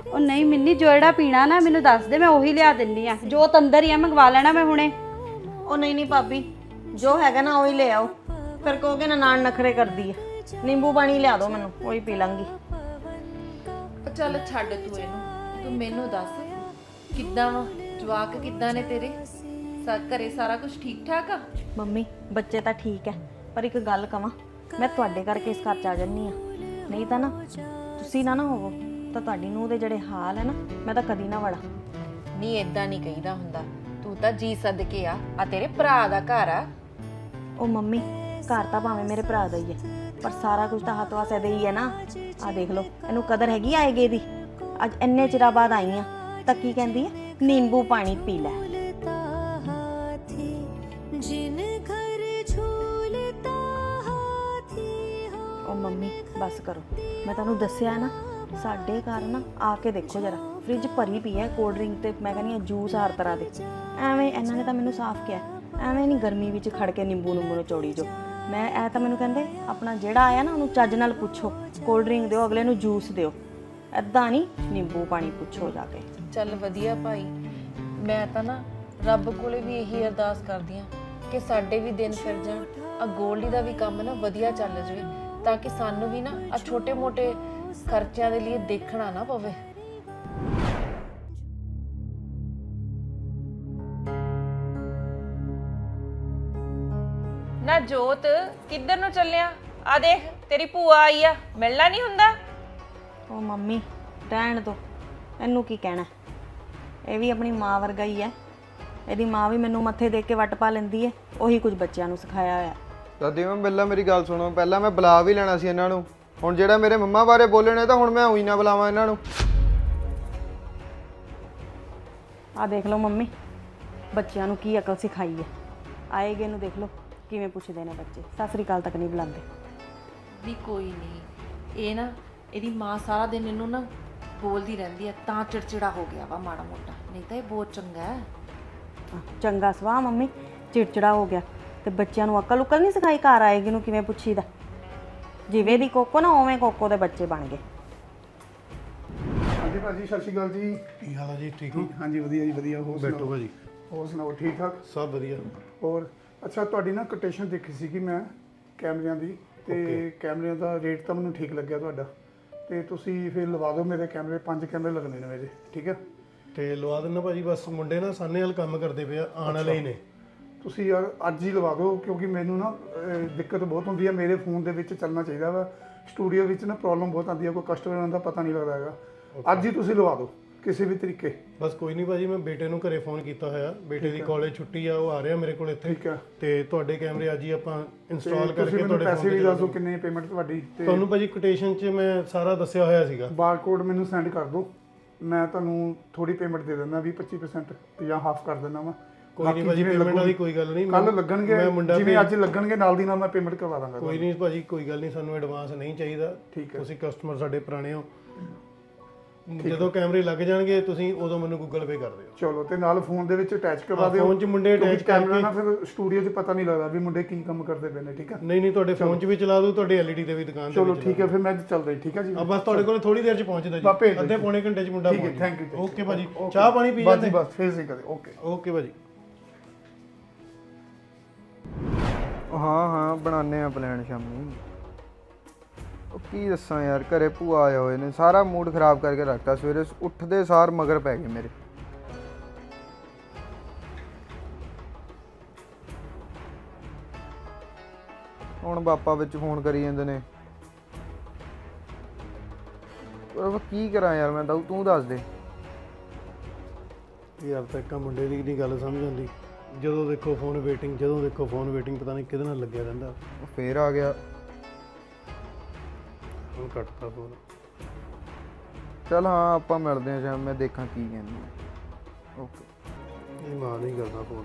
ਉਹ ਨਹੀਂ ਮਿੰਨੀ, ਜੋ ਜਿਹੜਾ ਪੀਣਾ ਨਾ ਮੈਨੂੰ ਦੱਸ ਦੇ, ਮੈਂ ਉਹੀ ਲਿਆ ਦਿੰਦੀ ਆ। ਜੋ ਅੰਦਰ ਹੀ ਆ ਮੰਗਵਾ ਲੈਣਾ ਮੈਂ ਹੁਣੇ। ਉਹ ਨਹੀਂ ਭਾਬੀ, ਜੋ ਹੈਗਾ ਨਾ ਉਹੀ ਲੈ ਆਓ। ਫਿਰ ਕਹੋਗੇ ਨਾ ਨਾਨ ਨਖਰੇ ਕਰਦੀ ਹੈ। ਨਿੰਬੂ ਪਾਣੀ ਲਿਆ ਦਿਓ ਮੈਨੂੰ, ਉਹੀ ਪੀ ਲਾਂਗੀ। ਚੱਲ ਛੱਡ ਤੂੰ ਇਹਨੂੰ, ਤੂੰ ਮੈਨੂੰ ਦੱਸ ਕਿੱਦਾਂ ਵਾ ਜਵਾਕ, ਕਿੱਦਾਂ ਨੇ ਤੇਰੇ? ਘਰੇ ਸਾਰਾ ਕੁਝ ਠੀਕ ਠਾਕ ਆ? ਮੰਮੀ ਬੱਚੇ ਤਾਂ ਠੀਕ ਹੈ, ਪਰ ਇੱਕ ਗੱਲ ਕਵਾਂ, ਮੈਂ ਤੁਹਾਡੇ ਕਰਕੇ ਇਸ ਘਰ 'ਚ ਆ ਜੰਨੀ ਆ। ਨਹੀਂ ਤਾਂ ਨਾ ਤੁਸੀਂ ਨਾ ਹੋਵੋ ਤਾਂ ਤੁਹਾਡੀ ਨੂੰਹ ਦੇ ਜਿਹੜੇ ਹਾਲ ਹੈ ਨਾ, ਮੈਂ ਤਾਂ ਕਦੀ ਨਾ ਵੜਾ। ਨਹੀਂ ਇਦਾਂ ਨਹੀਂ ਕਹੀਦਾ ਹੁੰਦਾ, ਤੂੰ ਤਾਂ ਜੀ ਸਦਕੇ ਆ ਤੇਰੇ ਭਰਾ ਦਾ ਘਰ ਆ। ਉਹ ਮੰਮੀ, ਘਰ ਤਾਂ ਭਾਵੇਂ ਮੇਰੇ ਭਰਾ ਦਾ ਹੀ ਹੈ, ਪਰ ਸਾਰਾ ਕੁਝ ਤਾਂ ਹੱਥ ਵਾਸ ਇਹਦੇ ਹੀ ਹੈ ਨਾ। ਆ ਦੇਖ ਲਓ, ਇਹਨੂੰ ਕਦਰ ਹੈਗੀ ਆਏਗੇ ਦੀ। ਅੱਜ ਇੰਨੇ ਚਿਰਾਂ ਬਾਅਦ ਆਈ ਆ ਤਾਂ ਕੀ ਕਹਿੰਦੀ ਹੈ, ਨਿੰਬੂ ਪਾਣੀ ਪੀ ਲੈ। ਉਹ ਮੰਮੀ ਬਸ ਕਰੋ, ਮੈਂ ਤੁਹਾਨੂੰ ਦੱਸਿਆ ਨਾ, ਸਾਡੇ ਘਰ ਨਾ ਆ ਕੇ ਦੇਖੋ ਜਰਾ, ਫ੍ਰਿਜ ਭਰੀ ਪਈ ਹੈ ਕੋਲਡ ਡਰਿੰਕ ਤੇ ਮੈਂ ਕਹਿੰਦੀ ਆ ਜੂਸ ਹਰ ਤਰ੍ਹਾਂ ਦੇ। ਐਵੇਂ ਇਹਨਾਂ ਨੇ ਤਾਂ ਮੈਨੂੰ ਸਾਫ਼ ਕਿਹਾ, ਐਵੇਂ ਨਹੀਂ ਗਰਮੀ ਵਿੱਚ ਖੜ ਕੇ ਨਿੰਬੂ ਨਿਚੋੜੀ ਜੋ। ਮੈਂ ਇਹ ਤਾਂ ਮੈਨੂੰ ਕਹਿੰਦੇ ਆਪਣਾ ਜਿਹੜਾ ਆਇਆ ਨਾ ਉਹਨੂੰ ਚੱਜ ਨਾਲ ਪੁੱਛੋ, ਕੋਲਡ ਡਰਿੰਕ ਦਿਓ, ਅਗਲੇ ਨੂੰ ਜੂਸ ਦਿਓ, ਐਦਾਂ ਨਹੀਂ ਨਿੰਬੂ ਪਾਣੀ ਪੁੱਛੋ ਜਾ ਕੇ। ਚੱਲ ਵਧੀਆ ਭਾਈ, ਮੈਂ ਤਾਂ ਨਾ ਰੱਬ ਕੋਲੇ ਵੀ ਇਹੀ ਅਰਦਾਸ ਕਰਦੀ ਆ ਕਿ ਸਾਡੇ ਵੀ ਦਿਨ ਫਿਰ ਜਾਣ, ਆ ਗੋਲਡੀ ਦਾ ਵੀ ਕੰਮ ਨਾ ਵਧੀਆ ਚੱਲ ਜਾਵੇ, ਤਾਂ ਕਿ ਸਾਨੂੰ ਵੀ ਨਾ ਆ ਛੋਟੇ ਮੋਟੇ ਖਰਚਿਆਂ ਦੇ ਲਈ ਦੇਖਣਾ ਨਾ ਪਵੇ। ਨਾ ਜੋਤ, ਕਿੱਧਰ ਨੂੰ ਚੱਲਿਆ? ਆ ਦੇਖ ਤੇਰੀ ਭੂਆ ਆਈ ਆ, ਮਿਲਣਾ ਨਹੀਂ ਹੁੰਦਾ? ਉਹ ਮੰਮੀ ਰਹਿਣ ਦੋ, ਇਹਨੂੰ ਕੀ ਕਹਿਣਾ, ਇਹ ਵੀ ਆਪਣੀ ਮਾਂ ਵਰਗਾ ਹੀ ਹੈ। ਇਹਦੀ ਮਾਂ ਵੀ ਮੈਨੂੰ ਮੱਥੇ ਦੇਖ ਕੇ ਵੱਟ ਪਾ ਲੈਂਦੀ ਹੈ, ਉਹੀ ਕੁਝ ਬੱਚਿਆਂ ਨੂੰ ਸਿਖਾਇਆ ਹੋਇਆ। ਦਾਦੀ ਮੈਂ ਪਹਿਲਾਂ ਮੇਰੀ ਗੱਲ ਸੁਣੋ, ਪਹਿਲਾਂ ਮੈਂ ਬੁਲਾ ਵੀ ਲੈਣਾ ਸੀ ਇਹਨਾਂ ਨੂੰ। ਹੁਣ ਜਿਹੜਾ ਮੇਰੇ ਮੰਮਾ ਬਾਰੇ ਬੋਲਣੇ ਤਾਂ ਹੁਣ ਮੈਂ ਉਹੀ ਨਾ ਬੁਲਾਵਾਂ ਇਹਨਾਂ ਨੂੰ। ਆ ਦੇਖ ਲਓ ਮੰਮੀ, ਬੱਚਿਆਂ ਨੂੰ ਕੀ ਅਕਲ ਸਿਖਾਈ ਹੈ। ਆਏਗੇ ਨੂੰ ਦੇਖ ਲਓ ਕਿਵੇਂ ਪੁੱਛਦੇ ਨੇ ਬੱਚੇ, ਸਤਿ ਸ੍ਰੀ ਅਕਾਲ ਤੱਕ ਨਹੀਂ ਬੁਲਾਉਂਦੇ। ਵੀ ਕੋਈ ਨਹੀਂ, ਇਹ ਨਾ ਇਹਦੀ ਮਾਂ ਸਾਰਾ ਦਿਨ ਇਹਨੂੰ ਨਾ ਬੋਲਦੀ ਰਹਿੰਦੀ ਹੈ, ਤਾਂ ਚਿੜਚਿੜਾ ਹੋ ਗਿਆ ਵਾ ਮਾੜਾ ਮੋਟਾ, ਨਹੀਂ ਤਾਂ ਇਹ ਬਹੁਤ ਚੰਗਾ ਹੈ। ਚੰਗਾ ਸਵਾਹ ਮੰਮੀ, ਚਿੜਚਿੜਾ ਹੋ ਗਿਆ ਤੇ ਬੱਚਿਆਂ ਨੂੰ ਅਕਲ ਉਕਲ ਨਹੀਂ ਸਿਖਾਈ, ਘਰ ਆਏਗੀ ਨੂੰ ਕਿਵੇਂ ਪੁੱਛੀਦਾ। ਜਿਵੇਂ ਦੀ ਕੋਕੋ ਨਾ ਉਵੇਂ ਕੋਕੋ ਦੇ ਬੱਚੇ ਬਣ ਗਏ। ਹਾਂਜੀ ਭਾਜੀ, ਸਤਿ ਸ਼੍ਰੀ ਅਕਾਲ ਜੀ। ਕੀ ਹਾਲ ਆ ਜੀ? ਠੀਕ ਹੋ? ਹਾਂਜੀ ਵਧੀਆ ਜੀ ਵਧੀਆ। ਹੋਰ ਬੈਠੋ ਸੁਣਾਓ? ਭਾਜੀ। ਹੋਰ ਸੁਣਾਓ, ਠੀਕ ਠਾਕ? ਸਭ ਵਧੀਆ। ਹੋਰ ਅੱਛਾ, ਤੁਹਾਡੀ ਨਾ ਕੋਟੇਸ਼ਨ ਦੇਖੀ ਸੀ ਕਿ ਮੈਂ ਕੈਮਰਿਆਂ ਦੀ, ਤੇ ਕੈਮਰਿਆਂ ਦਾ ਰੇਟ ਤਾਂ ਮੈਨੂੰ ਠੀਕ ਲੱਗਿਆ ਤੁਹਾਡਾ, ਤੇ ਤੁਸੀਂ ਫਿਰ ਲਵਾ ਦਿਓ ਮੇਰੇ ਕੈਮਰੇ। 5 ਕੈਮਰੇ ਲੱਗਣੇ ਨੇ ਮੇਰੇ, ਠੀਕ ਹੈ? ਤੇ ਲਵਾ ਦਿੰਦਾ ਭਾਜੀ, ਬਸ ਮੁੰਡੇ ਨਾ ਸਾਨੇ ਵਾਲ ਕੰਮ ਕਰਦੇ ਪਏ ਆ, ਆਉਣ ਵਾਲੇ ਹੀ ਨੇ। ਤੁਸੀਂ ਯਾਰ ਅੱਜ ਹੀ ਲਵਾ ਦਿਓ, ਕਿਉਂਕਿ ਮੈਨੂੰ ਨਾ ਦਿੱਕਤ ਬਹੁਤ ਹੁੰਦੀ ਹੈ, ਮੇਰੇ ਫੋਨ ਦੇ ਵਿੱਚ ਚੱਲਣਾ ਚਾਹੀਦਾ ਵਾ। ਸਟੂਡੀਓ ਵਿੱਚ ਨਾ ਪ੍ਰੋਬਲਮ ਬਹੁਤ ਆਉਂਦੀ ਹੈ, ਕੋਈ ਕਸਟਮਰ ਦਾ ਪਤਾ ਨਹੀਂ ਲੱਗਦਾ ਹੈਗਾ। ਅੱਜ ਹੀ ਤੁਸੀਂ ਲਵਾ ਦਿਓ ਕਿਸੇ ਵੀ ਤਰੀਕੇ। ਬਸ ਕੋਈ ਨਹੀਂ ਭਾਜੀ, ਮੈਂ ਬੇਟੇ ਨੂੰ ਘਰੇ ਫੋਨ ਕੀਤਾ ਹੋਇਆ, ਬੇਟੇ ਦੀ ਕਾਲਜ ਛੁੱਟੀ ਆ, ਉਹ ਆ ਰਿਹਾ ਮੇਰੇ ਕੋਲ ਇੱਥੇ। ਠੀਕ ਹੈ। ਤੇ ਤੁਹਾਡੇ ਕੈਮਰੇ ਅੱਜ ਹੀ ਆਪਾਂ ਇੰਸਟਾਲ ਤੁਸੀਂ ਕਰਕੇ ਮੈਨੂੰ ਤੁਹਾਡੇ ਪੈਸੇ ਫੋਨ ਵੀ ਤੇ ਦੱਸ ਦਿਓ, ਕਿੰਨੀ ਪੇਮੈਂਟ ਤੁਹਾਡੀ। ਤੇ ਤੁਹਾਨੂੰ ਭਾਜੀ ਕੋਟੇਸ਼ਨ 'ਚ ਮੈਂ ਸਾਰਾ ਦੱਸਿਆ ਹੋਇਆ ਸੀਗਾ। ਬਾਰਕੋਡ ਮੈਨੂੰ ਸੈਂਡ ਕਰ ਦਿਓ, ਮੈਂ ਤੁਹਾਨੂੰ ਥੋੜੀ ਪੇਮੈਂਟ ਦੇ ਦਿੰਦਾ, 20-25% ਜਾਂ ਹਾਫ ਕਰ ਦਿੰਦਾ ਵਾ। ਕੋਈ ਨਹੀਂ ਭਾਜੀ, ਪੇਮੈਂਟ ਵਾਲੀ ਕੋਈ ਗੱਲ ਨਹੀਂ। ਕੱਲ ਲੱਗਣਗੇ, ਜਿਵੇਂ ਅੱਜ ਲੱਗਣਗੇ ਨਾਲ ਦੀ ਨਾਲ ਮੈਂ ਪੇਮੈਂਟ ਕਰਵਾ ਦਾਂਗਾ। ਕੋਈ ਨਹੀਂ ਭਾਜੀ, ਕੋਈ ਗੱਲ ਨਹੀਂ, ਸਾਨੂੰ ਐਡਵਾਂਸ ਨਹੀਂ ਚਾਹੀਦਾ। ਠੀਕ ਹੈ। ਤੁਸੀਂ ਕਸਟਮਰ ਸਾਡੇ ਪੁਰਾਣੇ ਹੋ, ਜਦੋਂ ਕੈਮਰੇ ਲੱਗ ਜਾਣਗੇ ਤੁਸੀਂ ਉਦੋਂ ਮੈਨੂੰ ਗੂਗਲ ਪੇ ਕਰ ਦਿਓ। ਚਲੋ, ਤੇ ਨਾਲ ਫੋਨ ਦੇ ਵਿੱਚ ਅਟੈਚ ਕਰਵਾ ਦਿਓ। ਫੋਨ 'ਚ ਮੁੰਡੇ ਅਟੈਚ ਕੈਮਰਾ ਨਾ ਫਿਰ ਸਟੂਡੀਓ 'ਚ ਪਤਾ ਨਹੀਂ ਲੱਗਦਾ ਵੀ ਮੁੰਡੇ ਕੀ ਕੰਮ ਕਰਦੇ ਪਏ ਨੇ, ਠੀਕ ਹੈ? ਨਹੀਂ ਤੁਹਾਡੇ ਫੋਨ 'ਚ ਵੀ ਚਲਾ ਦੂੰ, ਤੁਹਾਡੇ ਐਲਈਡੀ ਤੇ ਵੀ ਦੁਕਾਨ ਤੇ। ਚਲੋ ਠੀਕ ਹੈ, ਫਿਰ ਮੈਂ ਚੱਲਦਾ ਜੀ, ਠੀਕ ਹੈ ਜੀ। ਆ ਬਸ ਤੁਹਾਡੇ ਕੋਲ ਥੋੜੀ ਦੇਰ 'ਚ ਪਹੁੰਚਦਾ ਜੀ, ਅੱਧੇ ਪੌਣੇ ਘੰਟੇ 'ਚ ਮੁੰਡਾ ਪਹੁੰਚ। Thank you. ਓਕੇ ਭਾਜੀ, ਚਾਹ ਪਾਣੀ ਪੀ ਜਾਂਦੇ? ਬਸ ਫੇਰ ਸੀ ਕਦੇ। ਓਕੇ ਓਕੇ ਭਾਜੀ। ਹਾਂ ਬਣਾਉਂਦੇ ਆ ਪਲਾਨ ਸ਼ਾਮੀ। ਉਹ ਕੀ ਦੱਸਾਂ ਯਾਰ, ਘਰੇ ਭੂਆ ਆਏ ਹੋਏ ਨੇ, ਸਾਰਾ ਮੂਡ ਖਰਾਬ ਕਰਕੇ ਰੱਖਤਾ। ਸਵੇਰੇ ਉੱਠਦੇ ਸਾਰ ਮਗਰ ਪੈ ਗਏ ਮੇਰੇ। ਹੁਣ ਪਾਪਾ ਵਿੱਚ ਫੋਨ ਕਰੀ ਜਾਂਦੇ ਨੇ, ਪਰ ਕੀ ਕਰਾਂ ਯਾਰ ਮੈਂ ਤਾਂ, ਤੂੰ ਦੱਸ ਦੇ। ਯਾਰ ਤਾਂ ਇੱਕ ਮੁੰਡੇ ਦੀ ਨਹੀਂ ਗੱਲ ਸਮਝ ਆਉਂਦੀ, ਜਦੋਂ ਦੇਖੋ ਫੋਨ ਵੇਟਿੰਗ, ਜਦੋਂ ਦੇਖੋ ਫੋਨ ਵੇਟਿੰਗ, ਪਤਾ ਨਹੀਂ ਕਿਹਦੇ ਨਾਲ ਲੱਗਿਆ ਰਹਿੰਦਾ। ਉਹ ਫੇਰ ਆ ਗਿਆ। ਹੁਣ ਕੱਟਤਾ ਫੋਨ। ਚੱਲ ਹਾਂ ਆਪਾਂ ਮਿਲਦੇ ਹਾਂ ਸ਼ਾਮ, ਮੈਂ ਦੇਖਾਂ ਕੀ ਕਹਿੰਦੇ। ਓਕੇ। ਇਹ ਮਾਂ ਨਹੀਂ ਕਰਦਾ ਫੋਨ।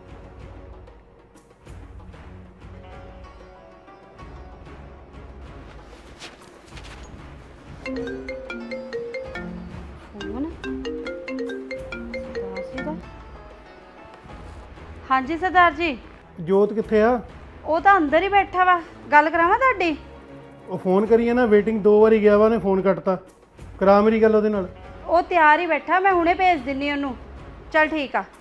ਫੋਨ ਹਾਂਜੀ ਸਰਦਾਰ ਜੀ। ਜੋਤ ਕਿੱਥੇ ਆ? ਉਹ ਤਾਂ ਅੰਦਰ ਹੀ ਬੈਠਾ ਵਾ, ਗੱਲ ਕਰਾਵਾਂ ਤੁਹਾਡੀ? ਉਹ ਫੋਨ ਕਰੀਏ ਨਾ, ਵੇਟਿੰਗ 2 ਵਾਰੀ ਗਿਆ ਵਾ, ਨੇ ਫੋਨ ਕੱਟਤਾ। ਕਰਾ ਮੇਰੀ ਗੱਲ ਉਹਦੇ ਨਾਲ। ਉਹ ਤਿਆਰ ਹੀ ਬੈਠਾ, ਮੈਂ ਹੁਣੇ ਭੇਜ ਦਿੰਨੀ ਉਹਨੂੰ। ਚਲ ਠੀਕ ਆ।